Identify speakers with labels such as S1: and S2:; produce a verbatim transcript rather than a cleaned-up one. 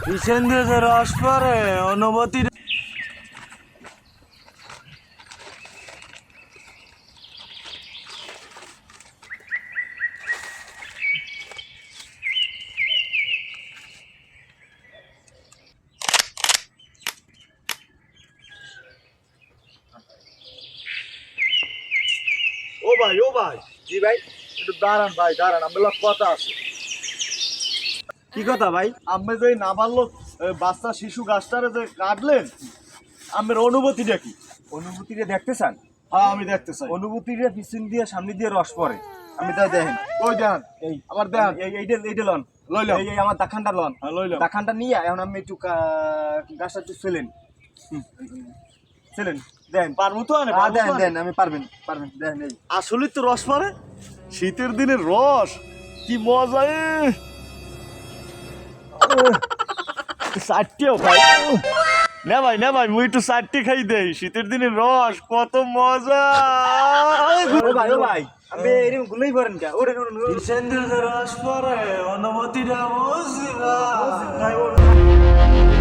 S1: পিছন দিয়ে যে রস পরে অনুভূতি।
S2: ও ভাই ও ভাই জি ভাই একটু দাঁড়ান ভাই দাঁড়ান আমার কথা আছে।
S1: কি কথা ভাই?
S2: আমি যে নাবালক বাচ্চা শিশু গাছটারে যে কাটলেন, আমার অনুভূতিটা কি?
S1: অনুভূতিটা দেখতে চান?
S2: হ্যাঁ আমি দেখতে চাই।
S1: অনুভূতিটা পিছন দিয়ে সামনে দিয়ে রস পরে। আমি তাই দেখেন
S2: ওই দেন
S1: এই
S2: আবার দেন
S1: এই এইটা এইটা লন
S2: লইলাম।
S1: এই এই আমার দাখানটা লন।
S2: হ্যাঁ লইলাম।
S1: দাখানটা নিয়ে এখন আমি একটু কা- গাছটা একটু ফেলেন ফেলেন দেন।
S2: পারবো তো আনে
S1: হ্যাঁ,
S2: পারবো
S1: দেন
S2: তো আনে?
S1: দেন আমি পারবেন পারবেন দেন এই
S2: আসলেই তো রস পরে, শীতের দিনের রস কি মজা। চারটিও খাই না ভাই না ভাই, মুই একটু চারটি খাই দেই। শীতের দিনের রস কত মজা।
S1: ও ভাই ও ভাই আমি এরকম গুলোই করেন কে ওরে পিছন দিয়ে রস পরে অনুভূতিটা বুঝিবা।